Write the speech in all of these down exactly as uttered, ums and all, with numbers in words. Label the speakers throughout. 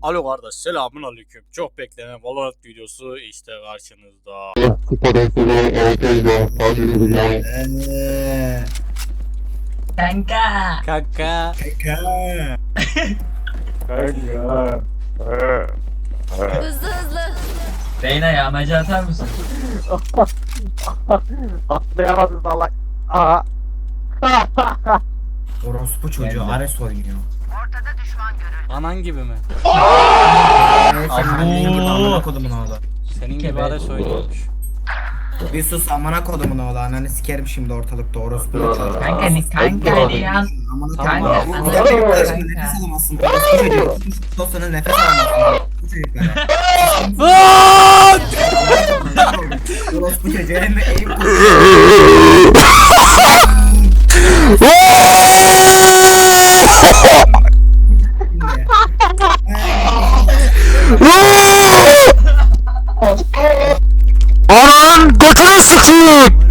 Speaker 1: Alo kardeş, selamun aleyküm. Çok beklenen Valorant videosu işte karşınızda.
Speaker 2: Eee.
Speaker 3: Kanka.
Speaker 1: Kanka.
Speaker 2: Kanka.
Speaker 4: Hızlı hızlı.
Speaker 3: Reyna yağmacı atar mısın?
Speaker 2: Atlayamadım salak. Aha.
Speaker 5: Orospu çocuğu Ares oynuyor.
Speaker 1: Anan gibi mi?
Speaker 5: Evet, sen annen gibi amına kodumun oğlu.
Speaker 1: Senin gibi
Speaker 3: Evet.
Speaker 1: Ares oynuyormuş.
Speaker 5: Bir sus amına kodumun oğlu. Ananı sikerim şimdi ortalıkta orospu çocuğu.
Speaker 3: Kanka ni kanka ni ya.
Speaker 5: Amına
Speaker 3: Kanka,
Speaker 5: kodumun oğlu.
Speaker 3: kanka.
Speaker 5: Sen benim karşımda nefes alamazsın. Orospu çocuğu. Dostuna nefes alamazsın. Orospu çocuklara. Orospu çocuğu hem de eğim
Speaker 1: Ananın götünü sıkayım.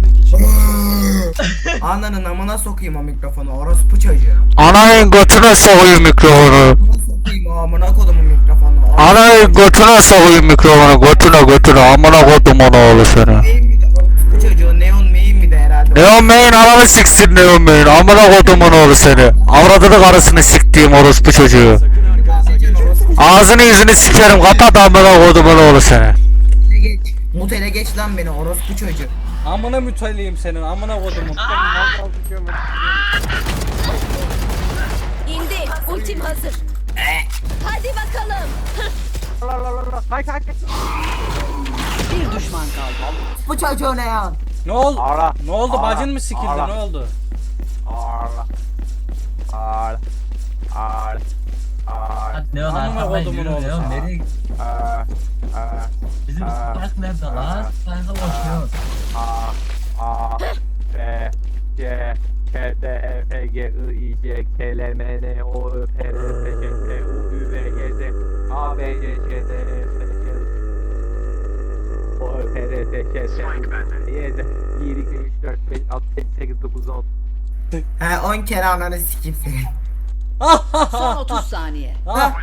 Speaker 5: Ananın amına sokayım o mikrofonu. Orospu çocuğu.
Speaker 1: Ananın götüne sokayım mikrofonu.
Speaker 5: Amına sokayım o amına kodumun mikrofonu.
Speaker 1: Ananın götüne sokayım mikrofonu. Götüne götüne. Amına kodumun oğlu seni.
Speaker 5: Neyim mi de orospu çocuğu neon meyim mi de herhalde.
Speaker 1: Neon May'in ananı siksin Neon May'in. Amına kodumun oğlu seni. Avradını karısını siktiğim orospu çocuğu. Ağzını yüzünü sikerim. Kapat amına kodumun oğlu seni.
Speaker 5: Geç. Mutele geç lan beni orospu çocuğu.
Speaker 1: Amına müteliyim senin. Amına kodumun.
Speaker 4: İndi. Ultim hazır. Hadi bakalım. Bir düşman kaldı.
Speaker 5: Bu çocuğu ne ya?
Speaker 1: Ne oldu?
Speaker 2: Ara.
Speaker 1: Ne oldu?
Speaker 2: Ara.
Speaker 1: Bacın mı sikildi?
Speaker 2: Ara.
Speaker 1: Ne oldu?
Speaker 2: Ağla. Ağla. Ağla. Ağla.
Speaker 3: Leon
Speaker 1: Amına
Speaker 3: arkamdan
Speaker 1: kodumun
Speaker 3: yürü
Speaker 1: oğlu
Speaker 3: Leon
Speaker 1: sen.
Speaker 3: nereye?
Speaker 2: Aa. Aa.
Speaker 3: Bizim Spark nerede lan? Spark'a boşuyor.
Speaker 2: A A B C K D E F G I I C K L M N O Ö P R S Ç T U Ü V Y Z A B C Ç D E F G O Ö P R S Ç T U Y Z bir iki üç dört beş altı yedi sekiz dokuz on.
Speaker 5: He on kere ananı sikeyim seni.
Speaker 4: Son otuz saniye.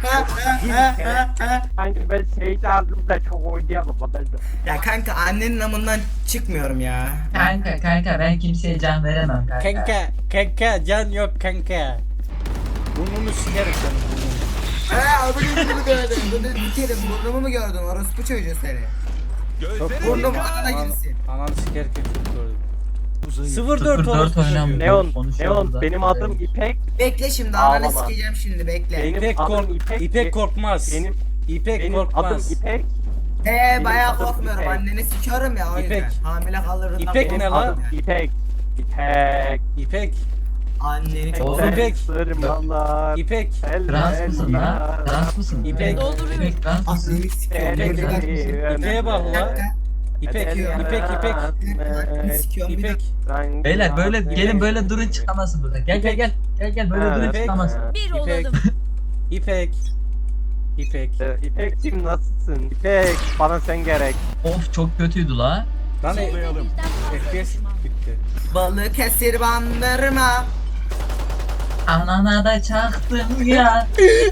Speaker 2: Sanki ben şey aldım da çok oynayamam ben de.
Speaker 5: Ya kanka annenin amından çıkmıyorum ya.
Speaker 3: Kanka kanka ben kimseye can veremem kanka.
Speaker 1: Kanka, kanka, can yok kanka. Burnunu sikerim senin.
Speaker 5: He abinin gibi gördün. Bunu dikerim. Burnumu mu gördün orospu çocuğu seni? Burnum anana girsin.
Speaker 1: Ananı sikerken çok gördüm. sıfır dört
Speaker 3: sıfır dört
Speaker 1: orospu
Speaker 3: oynam.
Speaker 1: çocuğu.
Speaker 2: Neon,
Speaker 3: Konuşuyor
Speaker 2: Neon
Speaker 3: burada.
Speaker 2: benim adım İpek.
Speaker 5: Bekle şimdi ananı
Speaker 2: Ağlama.
Speaker 5: sikeceğim şimdi bekle.
Speaker 2: Benim
Speaker 1: İpek,
Speaker 2: adım
Speaker 1: kork
Speaker 2: İpek.
Speaker 1: İpek korkmaz.
Speaker 2: Benim
Speaker 1: İpek
Speaker 2: benim adım
Speaker 1: korkmaz.
Speaker 2: İpek.
Speaker 5: He bayağı
Speaker 2: adım
Speaker 5: korkmuyorum.
Speaker 2: İpek.
Speaker 5: Anneni sikiyorum ya o yüzden.
Speaker 1: İpek.
Speaker 5: Hamile kalırından
Speaker 1: İpek
Speaker 5: korkuyorum
Speaker 1: ne
Speaker 2: Benim
Speaker 1: lan?
Speaker 2: adım İpek. İpek.
Speaker 1: İpek,
Speaker 5: Anneni çok
Speaker 3: Oğlum,
Speaker 5: seviyorum.
Speaker 1: İpek.
Speaker 2: Sırmalar.
Speaker 1: İpek,
Speaker 3: Trans mısın lan? Trans mısın?
Speaker 1: İpek.
Speaker 4: Dolduruyorum.
Speaker 3: İpek trans mısın?
Speaker 5: Anneni sikiyorum.
Speaker 1: İpek.
Speaker 5: Bir dakika.
Speaker 1: İpek'e bak
Speaker 5: Bir
Speaker 1: la.
Speaker 5: dakika.
Speaker 1: İpek,
Speaker 5: Ee,
Speaker 1: İpek, İpek,
Speaker 5: Anneni sikiyorum bir
Speaker 1: İpek.
Speaker 5: dakika.
Speaker 3: Beyler böyle gelin böyle durun çıkamazsın burada. Gel gel gel. Gel gel böyle
Speaker 2: Ha,
Speaker 3: durun
Speaker 1: İpek.
Speaker 3: çıkamazsın.
Speaker 4: Bir
Speaker 1: İpek.
Speaker 4: olalım.
Speaker 1: İpek, İpek.
Speaker 2: İpek'cim nasılsın? İpek bana sen gerek.
Speaker 3: Of çok kötüydü la.
Speaker 1: Lan e- F P S bitti.
Speaker 5: Balıkesir bandırma.
Speaker 3: Anana da çaktım ya.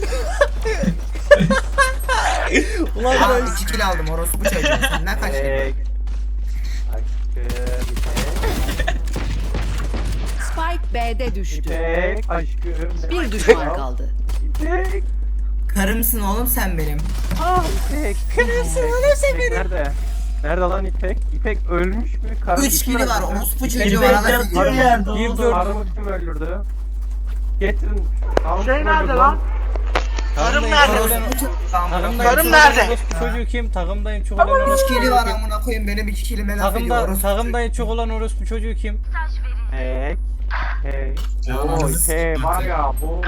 Speaker 1: Ulan
Speaker 5: Aa
Speaker 1: ben
Speaker 5: iki kilo aldım orospu çocuğu. Senden kaç kilo?
Speaker 2: İpek. Aşkım İpek.
Speaker 4: Spike B'de düştü.
Speaker 2: İpek aşkım.
Speaker 4: Bir düşman kaldı.
Speaker 2: İpek.
Speaker 5: Karımsın oğlum sen benim.
Speaker 2: Ah İpek. Kırılsın oğlum sen benim. Nerede? Nerede lan İpek? İpek ölmüş mü? Karı
Speaker 5: Üç kilo var orospu çocuğu
Speaker 3: İpek
Speaker 5: bana da
Speaker 3: yatıyor
Speaker 5: sikiyor.
Speaker 3: yerde
Speaker 1: Bir
Speaker 3: oğlum.
Speaker 1: dur.
Speaker 2: Karımı kim öldürdü? Getirin.
Speaker 6: Şey nerede lan? Karım nerede?
Speaker 1: Takımdayım
Speaker 6: Karım
Speaker 1: çok
Speaker 6: nerede?
Speaker 1: olan orospu çocuğu kim? Takımdayım çok olan
Speaker 5: Üç
Speaker 1: orospu
Speaker 5: kilo
Speaker 1: çocuğu
Speaker 5: var
Speaker 1: kim?
Speaker 5: amına koyayım benim iki kilime laf ediyor
Speaker 1: Takımda,
Speaker 5: orospu
Speaker 1: takımdayım çok olan orospu çocuğu kim?
Speaker 2: İpek. İpek.
Speaker 5: çocuğu.
Speaker 2: Oo
Speaker 5: Ananı
Speaker 2: İpek
Speaker 5: sikeyim.
Speaker 2: var ya bu.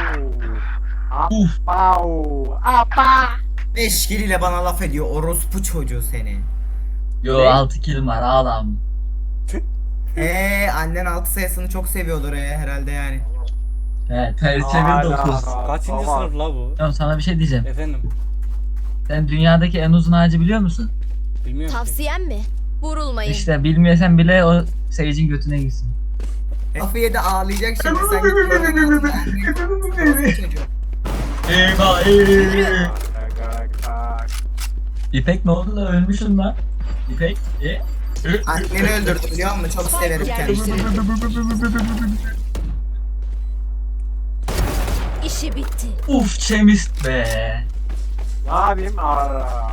Speaker 2: Apau. Apa.
Speaker 5: Beş kiliyle bana laf ediyor orospu çocuğu seni.
Speaker 3: Yo altı kilim var ağlam.
Speaker 5: Eee annen altı sayısını çok seviyordur ee, herhalde yani.
Speaker 3: He ters çevir dokuz.
Speaker 1: Kaçıncı
Speaker 2: Baba.
Speaker 1: sınıf la bu?
Speaker 3: Tamam sana bir şey diyeceğim.
Speaker 1: Efendim,
Speaker 3: Sen dünyadaki en uzun ağacı biliyor musun?
Speaker 1: bilmiyorum ki.
Speaker 4: Tavsiyem mi? Vurulmayın.
Speaker 3: İşte bilmiyorsan bile o Sage'in götüne gitsin.
Speaker 5: Lafı yedi ağlayacak şimdi sen git. Orospu çocuğu.
Speaker 3: Eyvah eyvah.
Speaker 2: Kalk, kalk, kalk.
Speaker 3: İpek ne oldu da ölmüşsün lan? İpek e?
Speaker 5: Anneni öldürdü biliyor musun? Çok severim kendisini.
Speaker 4: İşi bitti.
Speaker 3: Uf çemist be.
Speaker 2: Ne yapayım? Aa.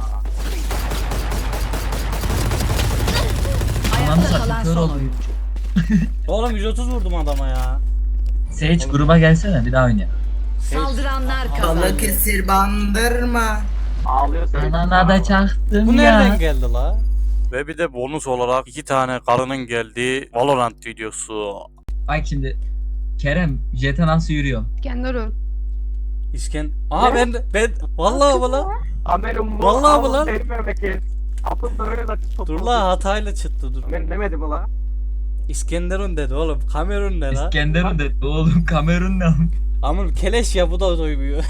Speaker 3: Ananı
Speaker 4: Ayakta
Speaker 3: satayım
Speaker 4: kalan
Speaker 3: kör
Speaker 4: son
Speaker 3: oldum.
Speaker 4: oyuncu.
Speaker 7: Oğlum yüz otuz vurdum adama ya.
Speaker 3: Sage gruba gelsene bir daha oynayalım.
Speaker 4: Saldıranlar kazandı.
Speaker 5: Balık esir bandırma.
Speaker 2: Ağlıyorsun.
Speaker 3: Anana da çaktım
Speaker 7: Bu
Speaker 3: ya.
Speaker 7: nereden geldi la?
Speaker 1: Ve bir de bonus olarak iki tane karının geldiği Valorant videosu.
Speaker 3: Bak şimdi Kerem Jet'e nasıl yürüyorum?
Speaker 8: Kendileri.
Speaker 7: İsken... Aa ben de... Ben... Vallahi bu la.
Speaker 2: Kamerum bu.
Speaker 7: Vallahi bu lan.
Speaker 2: Benim memleket. Apın böyle de tutuldu.
Speaker 7: Dur la hatayla çıktı dur.
Speaker 2: Ben demedim mi la?
Speaker 7: İskenderun dedi oğlum. Kamerun ne la?
Speaker 3: İskenderun dedi oğlum Kamerun ne?
Speaker 7: Amın keleş ya bu da duymuyor.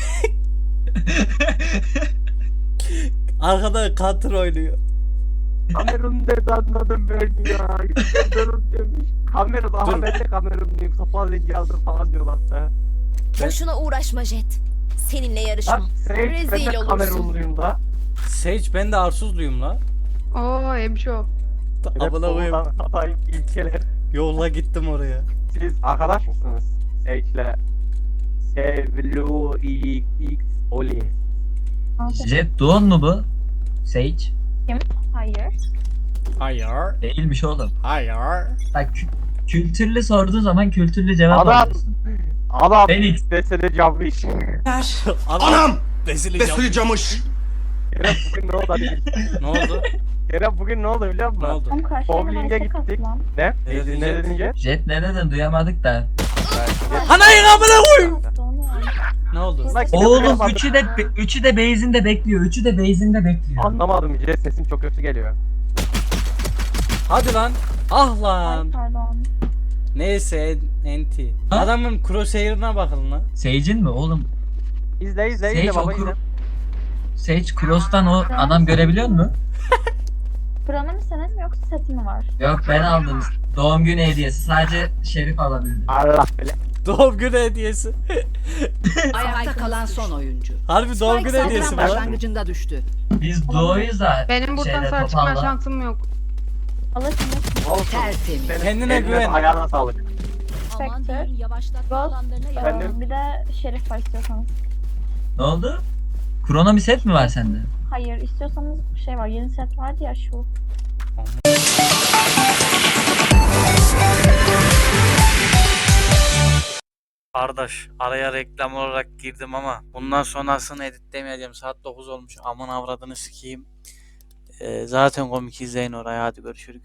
Speaker 7: Arkada counter oynuyor.
Speaker 2: Kamerun dedi anladım ben ya. Kamerun demiş. Kamerun aha
Speaker 7: Dur.
Speaker 2: ben de Kamerunluyum. Sopa zengi aldım falan diyorlar da.
Speaker 4: Boşuna uğraşma Jet. Seninle
Speaker 2: Lan
Speaker 4: yarışmam.
Speaker 2: sen ben
Speaker 4: Rezil
Speaker 2: de
Speaker 4: olursun.
Speaker 2: Kamerunluyum da.
Speaker 7: Sage ben de arsuzluyum la.
Speaker 8: Oo hemşo.
Speaker 7: Ta- Amına koyayım.
Speaker 2: Doğudan Hatay ilkeler.
Speaker 7: Yolla gittim oraya.
Speaker 2: Siz arkadaş mısınız? Sage'le. Sevlu X Oli.
Speaker 3: Jet Doğan mu bu? Sage?
Speaker 9: Hayır.
Speaker 7: Hayır.
Speaker 3: Değilmiş oğlum.
Speaker 7: Hayır.
Speaker 3: Bak kü- kültürlü sorduğu zaman kültürlü cevap
Speaker 2: Adam.
Speaker 3: alıyorsun.
Speaker 2: Adam
Speaker 3: Felix.
Speaker 2: desene camış.
Speaker 7: Anam! Besili
Speaker 10: Besili camış.
Speaker 2: Kerem bugün ne oldu hadi.
Speaker 7: Ne oldu?
Speaker 2: Kerem bugün ne oldu biliyor musun?
Speaker 7: Ne oldu?
Speaker 9: Tam karşıya
Speaker 2: Bowling'e gittik. Ne?
Speaker 7: Ne
Speaker 2: Ne,
Speaker 7: dedin
Speaker 2: ne
Speaker 7: Jet?
Speaker 2: dedin Jet?
Speaker 3: Jet ne dedin duyamadık da.
Speaker 7: Anayın amına koyayım. Ne oldu?
Speaker 2: Lan gidip
Speaker 3: Oğlum
Speaker 2: yapamadım.
Speaker 3: üçü de üçü de base'inde bekliyor. Üçü de base'inde bekliyor.
Speaker 2: Anlamadım Jet, sesin çok kötü geliyor.
Speaker 7: Hadi lan. Ah lan.
Speaker 9: Pardon.
Speaker 7: Neyse enti.
Speaker 3: Ha?
Speaker 7: Adamın crosshair'ına bakın lan.
Speaker 3: Sage'in mi oğlum?
Speaker 2: İzle izle izle
Speaker 3: Sage
Speaker 2: baba
Speaker 3: okur.
Speaker 2: izle.
Speaker 3: Sage Cross'tan o adam görebiliyor mu?
Speaker 9: Buranın mı senin mi yoksa seti mi var?
Speaker 3: Yok ben aldım. Doğum günü hediyesi. Sadece Şerif alabildi.
Speaker 2: Allah bile.
Speaker 7: Doğum günü hediyesi.
Speaker 4: Ayakta kalan son oyuncu.
Speaker 7: Harbi doğum günü
Speaker 4: Spike
Speaker 7: hediyesi
Speaker 4: saldıran
Speaker 7: mi lan?
Speaker 4: başlangıcında düştü.
Speaker 3: Biz doğuyuz da
Speaker 8: Benim buradan
Speaker 3: şeyde,
Speaker 8: sağ çıkma
Speaker 3: topalda.
Speaker 8: şansım yok.
Speaker 9: Alırsınız.
Speaker 2: Olsun.
Speaker 4: Tertemiz.
Speaker 2: Senin
Speaker 7: Kendine
Speaker 2: eline,
Speaker 7: güven.
Speaker 2: Ayağına sağlık.
Speaker 4: Aman
Speaker 9: Spectre.
Speaker 4: diyeyim yavaşlatma
Speaker 9: Ghost.
Speaker 4: alanlarına
Speaker 9: Ee,
Speaker 2: Efendim?
Speaker 9: bir de şerif var istiyorsanız.
Speaker 3: Ne oldu? Krono bir set mi var sende?
Speaker 9: Hayır istiyorsanız şey var yeni set vardı ya şu.
Speaker 1: Kardeş araya reklam olarak girdim ama bundan sonrasını editlemeyeceğim. Saat dokuz olmuş. Aman avradını sikeyim. Ee, zaten komik izleyin oraya. Hadi görüşürüz.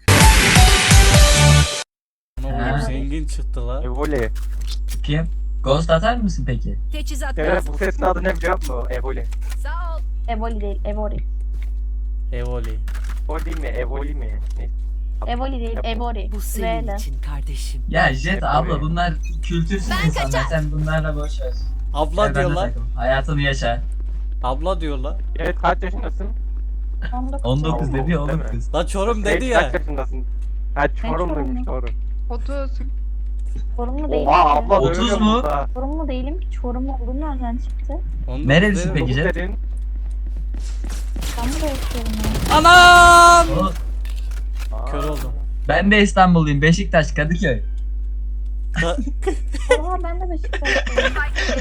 Speaker 7: Ne oğlum zengin çıktı la.
Speaker 2: Evoli.
Speaker 3: Kim? Ghost atar mısın peki?
Speaker 4: Teçhizat
Speaker 2: Kerem
Speaker 4: lazım.
Speaker 2: bu sesin adı ne biliyor musun? Evoli.
Speaker 4: Sağ ol.
Speaker 9: Evoli değil Evori.
Speaker 7: Evoli.
Speaker 2: O değil mi? Evoli mi? Ne?
Speaker 9: Evoli değil Evori.
Speaker 4: Bu
Speaker 9: V
Speaker 4: senin
Speaker 9: ile.
Speaker 4: için kardeşim.
Speaker 3: Ya Jet
Speaker 2: Hep
Speaker 3: abla
Speaker 2: oraya.
Speaker 3: bunlar kültürsüz
Speaker 4: Ben
Speaker 3: insanlar.
Speaker 4: kaçar.
Speaker 3: Sen bunlarla boş ver.
Speaker 7: Abla
Speaker 3: Sen
Speaker 7: diyor
Speaker 3: benimle
Speaker 7: la.
Speaker 3: takıl. Hayatını yaşa.
Speaker 7: Abla diyor la.
Speaker 2: Evet kaç yaşındasın?
Speaker 9: on dokuz.
Speaker 3: on dokuz
Speaker 2: Oldu,
Speaker 3: dedi
Speaker 2: değil
Speaker 3: oğlum
Speaker 2: mi?
Speaker 3: kız.
Speaker 7: La Çorum
Speaker 2: Sage
Speaker 7: dedi
Speaker 2: kaç
Speaker 7: ya.
Speaker 2: yaşındasın? Ha Çorumluymuş
Speaker 9: Çorumlu.
Speaker 2: Çorum.
Speaker 8: otuz.
Speaker 9: Çorumlu değilim
Speaker 2: Oha
Speaker 9: ki.
Speaker 2: abla
Speaker 3: otuz
Speaker 2: dövüyor
Speaker 3: mu?
Speaker 2: musun ha?
Speaker 9: Çorumlu değilim ki. Çorumlu olduğum nereden çıktı?
Speaker 7: Onu
Speaker 3: Nerelisin
Speaker 7: dedi.
Speaker 3: peki
Speaker 2: Dokuz
Speaker 3: Jet?
Speaker 2: dedin.
Speaker 9: İstanbul'da yaşıyorum ya.
Speaker 7: Anam!
Speaker 3: O-
Speaker 2: Aa.
Speaker 7: Kör oldum.
Speaker 3: Ben de İstanbulluyum. Beşiktaş, Kadıköy.
Speaker 9: Oha ben de Beşiktaş'tayım.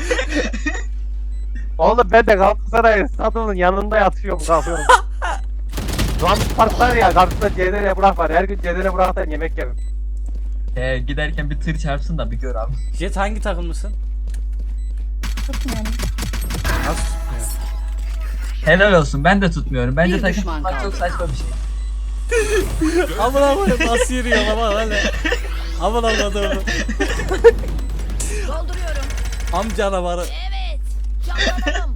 Speaker 2: Oğlum ben de Galatasaray stadının yanında yatıyorum kalkıyorum. Lan park var ya karşısında C D R Burak var. Her gün C D R Burak'tan yemek yerim.
Speaker 3: Ee, giderken bir tır çarpsın da bir gör abi.
Speaker 7: Jet hangi takımlısın?
Speaker 9: Tutmuyorum.
Speaker 7: Nasıl tutmuyor?
Speaker 3: Helal olsun. Ben de tutmuyorum. Bence
Speaker 4: Bir
Speaker 3: takım
Speaker 4: düşman
Speaker 3: tutmak
Speaker 4: kaldı.
Speaker 3: çok saçma bir şey.
Speaker 7: Amına koyayım nasıl yürüyor ama öyle. Aman Allah'ım.
Speaker 4: Dolduruyorum.
Speaker 7: Am canavarı.
Speaker 4: Evet. Canlanalım.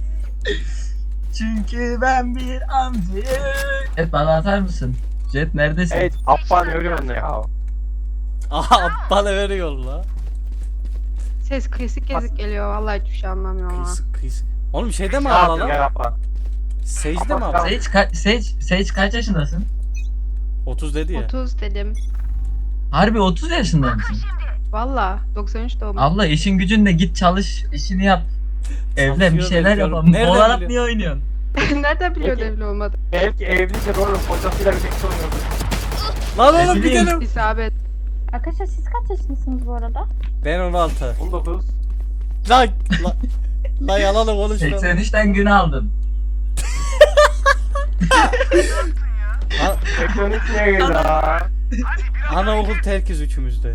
Speaker 3: Çünkü ben bir amcayım. Evet bana atar mısın? Jet neredesin?
Speaker 2: Evet Affan görüyorsun ya.
Speaker 7: Aha bana veriyor la.
Speaker 8: Ses kesik kesik geliyor. Vallahi hiçbir şey anlamıyorum ha.
Speaker 7: Kıyısı kıyısı. Oğlum şeyde mi
Speaker 2: Ne
Speaker 7: ağla
Speaker 2: yapayım
Speaker 7: lan?
Speaker 2: ya Affan?
Speaker 7: Sage'de mi ağla?
Speaker 3: Sage, ka- Sage, Sage kaç yaşındasın?
Speaker 7: otuz dedi ya.
Speaker 8: otuz dedim.
Speaker 3: Harbi otuz yaşında mısın?
Speaker 8: Valla doksan üç doğumlu.
Speaker 3: Abla işin gücünle git çalış, işini yap. Evlen bir
Speaker 7: Çalışıyor,
Speaker 3: şeyler
Speaker 7: bekliyorum.
Speaker 3: yapalım.
Speaker 7: Nereden
Speaker 3: Valorant
Speaker 7: biliyor?
Speaker 3: niye oynuyorsun?
Speaker 8: Nereden biliyor
Speaker 2: Peki.
Speaker 8: evli olmadı?
Speaker 2: Belki evlidir oğlum. Kocasıyla birlikte oynuyordur.
Speaker 7: Lan
Speaker 3: Ne
Speaker 7: oğlum
Speaker 3: bileyim.
Speaker 7: gidelim.
Speaker 8: İsabet.
Speaker 9: Arkadaşlar siz kaç yaşındasınız bu arada?
Speaker 7: Ben on altı.
Speaker 2: on dokuz.
Speaker 7: Lan lan. Lan yalanı konuşma.
Speaker 3: seksen üçten gün aldım.
Speaker 7: Lan,
Speaker 2: seksen üç ne ya?
Speaker 7: anaokul terkiz üçümüzde.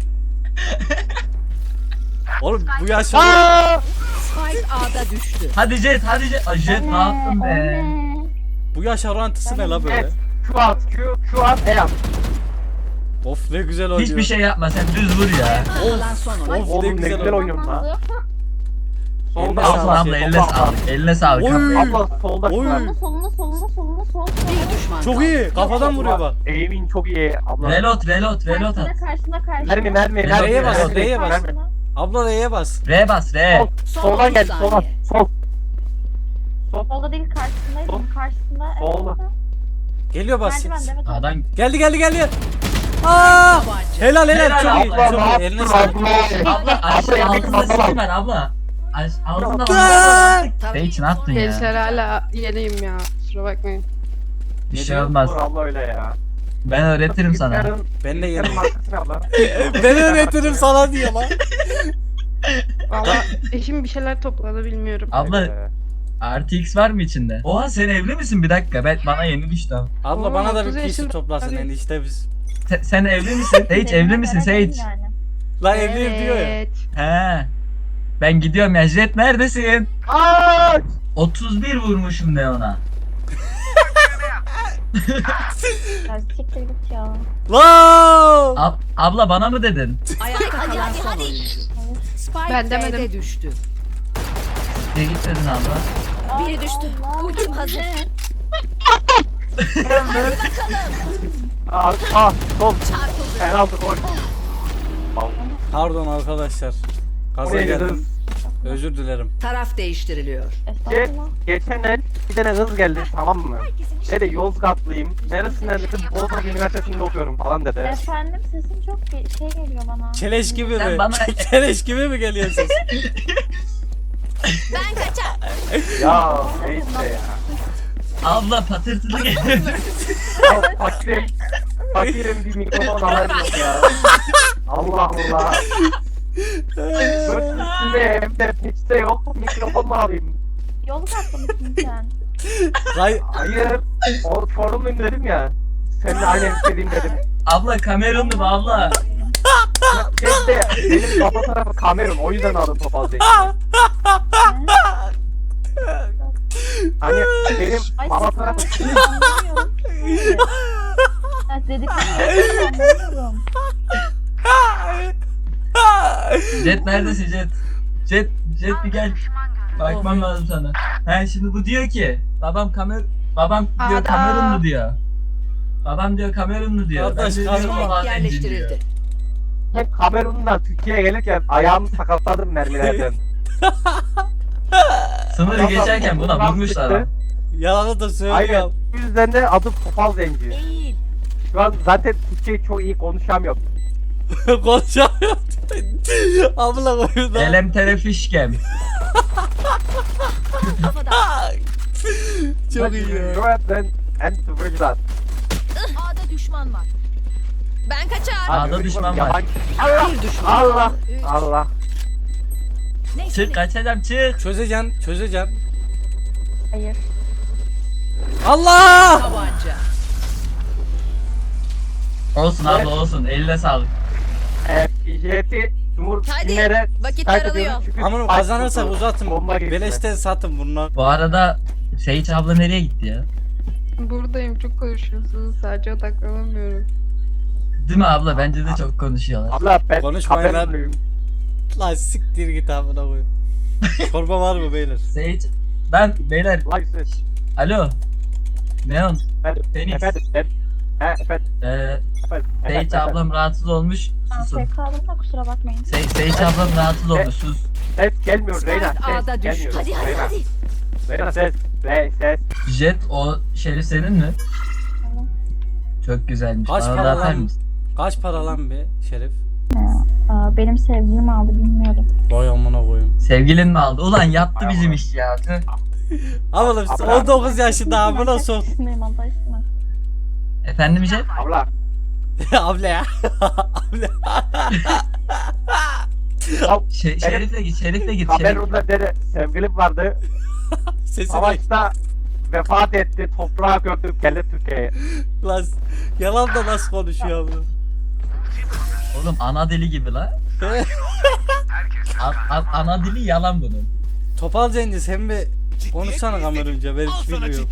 Speaker 7: Oğlum bu yaşa
Speaker 4: Spike A'da düştü.
Speaker 3: Hadi Jet hadi Jet. Ay Jet ne yaptın be?
Speaker 9: Anne.
Speaker 7: bu yaş orantısı ne la böyle?
Speaker 2: Evet. Q at, Q, Q at, E at.
Speaker 7: Of ne güzel oynuyor.
Speaker 3: Hiçbir şey yapma sen düz vur ya.
Speaker 4: Kalan son oyun.
Speaker 7: Of ne
Speaker 2: Oğlum ne
Speaker 7: güzel
Speaker 2: güzel
Speaker 7: oynuyor.
Speaker 2: oynuyorum lan.
Speaker 9: Oldu.
Speaker 2: Solda
Speaker 7: Eline
Speaker 3: Abla
Speaker 2: abla.
Speaker 3: abla eline sağlık. Eline sağlık.
Speaker 7: Oy.
Speaker 2: Abla solda.
Speaker 7: Oy.
Speaker 9: Solunda solunda solunda solunda solunda.
Speaker 4: Bir düşman
Speaker 7: Çok
Speaker 4: kaldı.
Speaker 7: iyi. Kafadan vuruyor bak.
Speaker 2: Aim'in çok iyi abla.
Speaker 3: Reload reload reload
Speaker 9: Karşında
Speaker 3: at.
Speaker 9: karşında karşında.
Speaker 2: Mermi mermi
Speaker 3: R'ye
Speaker 2: mermi.
Speaker 7: bas,
Speaker 2: mermi,
Speaker 7: R'ye bas.
Speaker 2: mermi.
Speaker 9: Karşında.
Speaker 7: Abla R'ye bas.
Speaker 3: R bas R.
Speaker 2: Sol,
Speaker 4: Son
Speaker 2: soldan
Speaker 4: otuz
Speaker 2: gel, sola.
Speaker 4: saniye.
Speaker 2: Sol. Sol.
Speaker 9: Solda değil karşısındaydım. Karşısında. Evet,
Speaker 2: Solda.
Speaker 9: orada.
Speaker 7: Geliyor bas.
Speaker 9: Merdiven evet. orada.
Speaker 3: Adam
Speaker 7: Geldi geldi geldi. Aa!
Speaker 4: Tabanca.
Speaker 7: Helal helal
Speaker 3: Helal
Speaker 7: çok iyi.
Speaker 2: Abla
Speaker 7: Çok
Speaker 2: ne
Speaker 7: iyi.
Speaker 2: yaptın
Speaker 7: Eline sağlık.
Speaker 2: abla?
Speaker 3: abla aşağı
Speaker 2: Abla,
Speaker 3: altında
Speaker 2: abla.
Speaker 3: skin var abla. Aş- Altında
Speaker 7: Aa!
Speaker 3: var. Sage ne yaptın ya?
Speaker 8: Gençler hala yeniyim ya. Kusura bakmayın.
Speaker 3: Bir şey olmaz.
Speaker 2: Dur abla öyle ya.
Speaker 3: Ben öğretirim sana.
Speaker 2: Bilgisayarın-
Speaker 7: Ben de
Speaker 2: bilgisayarın
Speaker 7: yerim.
Speaker 2: markası ne abla?
Speaker 7: Ben öğretirim sana diyor lan.
Speaker 8: Valla eşim bir şeyler topladı bilmiyorum.
Speaker 3: Abla
Speaker 2: Ee,
Speaker 3: artı X var mı içinde? Oha sen evli misin? Bir dakika ben bana yeni düştü.
Speaker 7: Abla
Speaker 8: Oo,
Speaker 7: bana da bir
Speaker 8: otuz
Speaker 7: P C
Speaker 8: yaşında-
Speaker 7: toplasın
Speaker 8: Hadi.
Speaker 7: enişte biz.
Speaker 3: Sen, sen evli misin? Sage
Speaker 9: Seninle
Speaker 3: evli misin
Speaker 9: beraberim
Speaker 3: Sage?
Speaker 9: yani.
Speaker 7: Lan evliyim diyor ya.
Speaker 8: Evet.
Speaker 3: He. Ben gidiyorum ya. Jet neredesin?
Speaker 2: Aaaaaa!
Speaker 3: otuz bir vurmuşum de ona.
Speaker 9: Ya siktir git ya.
Speaker 7: Lan!
Speaker 3: Ab- abla bana mı dedin?
Speaker 4: Ayakta kalan son oyuncu. Spike
Speaker 8: Ben demedim.
Speaker 4: B'de düştü.
Speaker 3: Ne git dedin abla?
Speaker 4: Biri düştü.
Speaker 9: Allah.
Speaker 4: Ultim hazır.
Speaker 2: Aa, ah, sol.
Speaker 4: Çarpıldı.
Speaker 2: Penaltı gol.
Speaker 7: Pardon arkadaşlar. Gaza
Speaker 2: Oraya
Speaker 7: geldim.
Speaker 2: gidiyoruz.
Speaker 7: Özür dilerim.
Speaker 4: Taraf değiştiriliyor.
Speaker 9: Estağfurullah.
Speaker 2: Geçen el bir tane kız geldi tamam mı? Dedi Yozgatlıyım. Neresinden dedim Bozok Üniversitesi'nde okuyorum falan dedi.
Speaker 9: Efendim sesin çok bir şey geliyor bana.
Speaker 7: Keleş gibi
Speaker 3: Sen
Speaker 7: mi?
Speaker 3: bana-
Speaker 7: Keleş gibi mi geliyor ses?
Speaker 4: Ben kaçar.
Speaker 2: Ya neyse ya.
Speaker 3: Abla patırtılı geliyor.
Speaker 2: Ya fakirim. Fakirim bir mikrofon alayım ya. Allah Allah. Göt üstünde hem de peçete yok. Mikrofon mu alayım?
Speaker 9: Yolu katlı mısın sen?
Speaker 7: Hay
Speaker 2: Hayır. O sorumluyum dedim ya. Seninle aynı istediğim dedim.
Speaker 3: Abla Kamerunlu mu abla?
Speaker 2: Şey de benim baba tarafı Kamerun. O yüzden aldım papazayı. Hani benim
Speaker 9: Ay
Speaker 2: baba
Speaker 9: siz
Speaker 2: tarafı
Speaker 9: konuşuyorsunuz, anlamıyorum. Ya dediklerini anlamıyorum.
Speaker 3: Jet neredesin Jet? Jet, Jet bir gel. Bakmam lazım sana. He şimdi bu diyor ki babam Kamer babam diyor
Speaker 8: Ada.
Speaker 3: Kamerunlu diyor. Babam diyor Kamerunlu diyor.
Speaker 7: Kardeş,
Speaker 3: Ben de diyorum
Speaker 7: Kamerun
Speaker 3: "Ulan
Speaker 4: Spike
Speaker 3: zencin" diyor.
Speaker 4: yerleştirildi.
Speaker 2: hep Kamerun'dan Türkiye'ye gelirken ayağımı sakatladım mermilerden.
Speaker 3: Sınırı geçerken buna
Speaker 2: Bundan
Speaker 3: vurmuşlar
Speaker 2: çıktı.
Speaker 3: ha.
Speaker 7: yalanı da
Speaker 2: Aynen.
Speaker 7: söylüyorum.
Speaker 2: Bu yüzden de adım Topal Zenci.
Speaker 4: Değil.
Speaker 2: Şu an zaten Türkçeyi çok iyi konuşamıyorum.
Speaker 7: Konuşamıyorum. Abla koyun
Speaker 3: Elem terefişkem.
Speaker 4: Kafadan.
Speaker 7: Çok iyi ya.
Speaker 2: Europe'den and Twitch'dan.
Speaker 4: A'da düşman var. Ben kaçar.
Speaker 3: A'da düşman var.
Speaker 2: Allah!
Speaker 4: Bir düşman.
Speaker 2: Allah!
Speaker 4: Üç.
Speaker 2: Allah!
Speaker 4: Neyse.
Speaker 3: Çık kaçacağım çık.
Speaker 7: Çözeceksin, çözeceksin.
Speaker 9: Hayır.
Speaker 7: Allah!
Speaker 4: Tabanca.
Speaker 3: Olsun abla olsun eline sağlık.
Speaker 2: Evet, jeti Cumhur
Speaker 4: Hadi,
Speaker 2: Günler'e
Speaker 4: vakit
Speaker 2: terk
Speaker 4: daralıyor.
Speaker 2: ediyoruz çünkü
Speaker 7: Aman
Speaker 2: spike
Speaker 7: kazanırsak
Speaker 2: buldu.
Speaker 7: uzatın.
Speaker 2: Bomba gibi.
Speaker 7: Beleşten satın bunlar.
Speaker 3: Bu arada Sage abla nereye gitti ya?
Speaker 8: Buradayım çok konuşuyorsunuz. Sadece odaklanamıyorum.
Speaker 3: Değil mi abla? Bence de çok konuşuyorlar.
Speaker 2: Abla ben
Speaker 7: Konuşmayın lan.
Speaker 2: Kamerunluyum.
Speaker 7: Lan siktir git amına koyayım. Çorba var mı beyler?
Speaker 3: Sage ben beyler
Speaker 2: Like this.
Speaker 3: alo. Neon
Speaker 2: Efendim,
Speaker 3: Phoenix.
Speaker 2: efendim, efendim, he, efendim,
Speaker 3: Ee,
Speaker 2: efendim, efendim,
Speaker 3: Sage
Speaker 2: efendim.
Speaker 3: ablam rahatsız olmuş.
Speaker 9: Ben
Speaker 3: Susun.
Speaker 9: şey kaldım da kusura bakmayın.
Speaker 3: Sage, Sage ablam rahatsız olmuş. Sus.
Speaker 2: Ses gelmiyor Reyna,
Speaker 4: Spike
Speaker 2: ses
Speaker 4: A'da düştü.
Speaker 2: gelmiyor.
Speaker 4: Hadi hadi
Speaker 2: Reyna,
Speaker 4: hadi.
Speaker 2: Reyna ses, Rey, ses.
Speaker 3: Jet o şerif senin mi? Çok güzelmiş.
Speaker 7: Kaç
Speaker 3: Bana da
Speaker 7: para
Speaker 3: atar
Speaker 7: lan?
Speaker 3: mısın?
Speaker 7: Kaç para lan be Şerif?
Speaker 9: Aa, benim sevgilim aldı bilmiyorum.
Speaker 7: Vay amına koyayım.
Speaker 3: Sevgilin mi aldı? Ulan yattı bizim iş ya. Tüh.
Speaker 7: Oğlum on dokuz yaşında amına sok.
Speaker 9: Sesindeyim Allah aşkına.
Speaker 3: Efendim Jet?
Speaker 2: Abla.
Speaker 7: Abla ya. Abla.
Speaker 3: Şey, Şerif'le git, Şerif'le git. Şerif.
Speaker 2: Kamerun'da dede sevgilim vardı.
Speaker 7: Sesi bak.
Speaker 2: Savaşta vefat etti. Toprağa gömdüm geldi Türkiye'ye.
Speaker 7: Lan yalan da nasıl konuşuyor bu?
Speaker 3: Oğlum ana dili gibi la. A- a- ana dili yalan bunun.
Speaker 7: Topal Cengiz sen bir konuşsana kamerunca ben hiç bilmiyorum.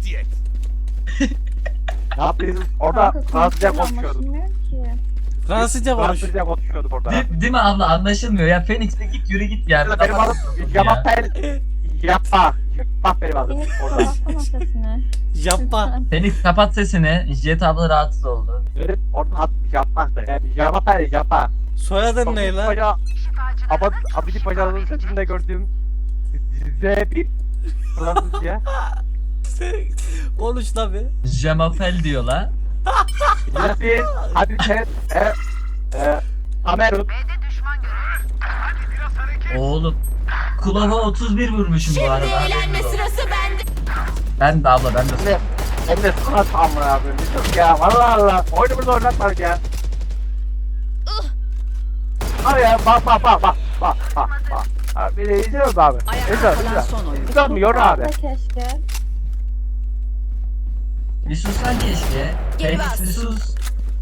Speaker 2: Ne yapıyorsun? Orada
Speaker 9: Kanka,
Speaker 2: Fransızca
Speaker 9: konuşuyor,
Speaker 2: konuşuyorduk.
Speaker 9: anlaşılmıyor ki.
Speaker 7: Fransızca konuş.
Speaker 2: Fransızca konuşuyorduk orada.
Speaker 3: Değil, değil mi abla anlaşılmıyor ya. Phoenix'te git yürü git ya.
Speaker 2: Benim adım Yapapel Yapma. Bak benim adım
Speaker 9: Phoenix
Speaker 2: orada.
Speaker 9: kapatsana sesini.
Speaker 7: Yapma.
Speaker 3: Phoenix kapat sesini. Jet abla rahatsız oldu.
Speaker 2: Benim orada adım Yapmaktı. Yani Yapapel Yapma.
Speaker 7: Soyadın ne lan?
Speaker 2: Paşa, Abad, Abidi Paşa'nın sesinde gördüğüm Z bir Fransızca.
Speaker 7: Konuş lan bir.
Speaker 3: Jamapel diyor la.
Speaker 2: Yasin, Hadise, e, e, Kamerun.
Speaker 3: Oğlum. Kulava otuz bir vurmuşum bu
Speaker 4: Şimdi
Speaker 3: arada.
Speaker 4: eğlenme sırası bende.
Speaker 3: Ben de abla ben de.
Speaker 2: Ne? Hem de sana tamına yapıyorum. Yok ya, valla Allah. Oyunumuzu oynatmadık ya. Abi ya, bak bak bak bak bak bak bak. Abi bir de izliyor musun abi? İzliyor, izliyor.
Speaker 4: son oyun.
Speaker 2: İzliyor mu? Yor abi.
Speaker 9: Abla keşke.
Speaker 3: Bir sussan keşke.
Speaker 4: Geri
Speaker 3: Phoenix
Speaker 4: bas.
Speaker 3: bir sus.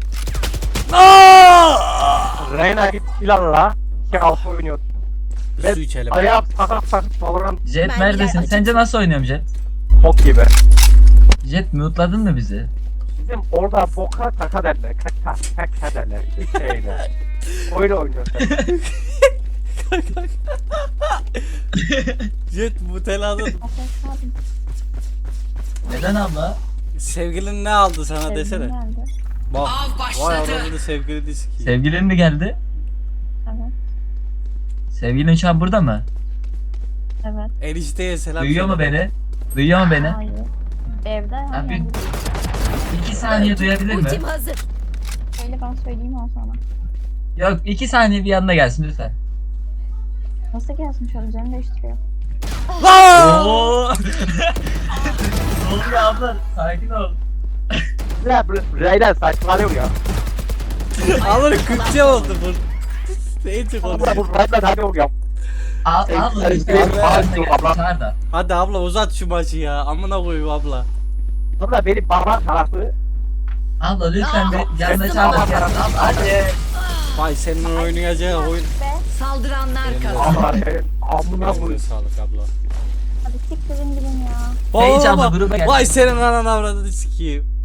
Speaker 2: Reyna git ilanla. İki altı oynuyor.
Speaker 7: Bir su içelim.
Speaker 2: Ayağım sakat sakat Valorant
Speaker 3: Jet
Speaker 4: Ben
Speaker 3: neredesin?
Speaker 4: gel-
Speaker 3: Sence nasıl oynuyorum Jet?
Speaker 2: bok gibi.
Speaker 3: Jet mute'ladın mı bizi?
Speaker 2: Bizim orada boka kaka derler. Kaka kaka derler. Hiç şeyler. Öyle oynuyorsun.
Speaker 7: Jet muteladın.
Speaker 9: Aferin abim.
Speaker 3: Neden abla?
Speaker 7: Sevgilin ne aldı sana
Speaker 9: Sevgilim
Speaker 7: desene.
Speaker 9: geldi.
Speaker 7: Bak. Vay adamın sevgilini sikeyim.
Speaker 3: Sevgilin mi geldi?
Speaker 9: Evet.
Speaker 3: Sevgilin şu an burada mı?
Speaker 9: Evet.
Speaker 7: Enişteye selam.
Speaker 3: Duyuyor mu
Speaker 7: söyle.
Speaker 3: beni? Duyuyor mu beni?
Speaker 9: Hayır. Evde
Speaker 3: Ha,
Speaker 9: yani.
Speaker 3: bir, iki saniye duyabilir mi?
Speaker 4: Ultim hazır.
Speaker 9: Öyle ben söyleyeyim o sana.
Speaker 3: Yok iki saniye bir yanına gelsin lütfen.
Speaker 9: Nasıl gelsin şöyle üzerini değiştiriyor.
Speaker 3: Ooo. Ne oluyor abla? Sakin ol.
Speaker 2: Ya bu Reyna saçmalıyor ya.
Speaker 7: Alır Kürtçe oldu bu. Neyse
Speaker 2: Abla
Speaker 7: konuş.
Speaker 2: bu Reyna hadi oluyor.
Speaker 3: Al
Speaker 2: Sen-
Speaker 3: abla
Speaker 2: sen-
Speaker 3: işte
Speaker 2: sen-
Speaker 3: abla
Speaker 2: sen-
Speaker 3: yanına gel,
Speaker 2: abla.
Speaker 3: çağır da.
Speaker 7: Hadi abla uzat şu maçı ya. Amına koyayım abla.
Speaker 2: Abla benim baba tarafı.
Speaker 3: Abla lütfen bir yanına çağır da gelsin. Abla hadi.
Speaker 7: Vay senin oynayacağı oyun.
Speaker 4: Saldıranlar kazandı.
Speaker 2: Allah senin amına
Speaker 7: Eline
Speaker 2: koyayım.
Speaker 7: sağlık abla.
Speaker 9: Hadi siktirin gidin ya.
Speaker 3: Hey, hiç abla,
Speaker 7: Vay,
Speaker 3: gruba gel.
Speaker 7: Vay senin anan avradını sikeyim.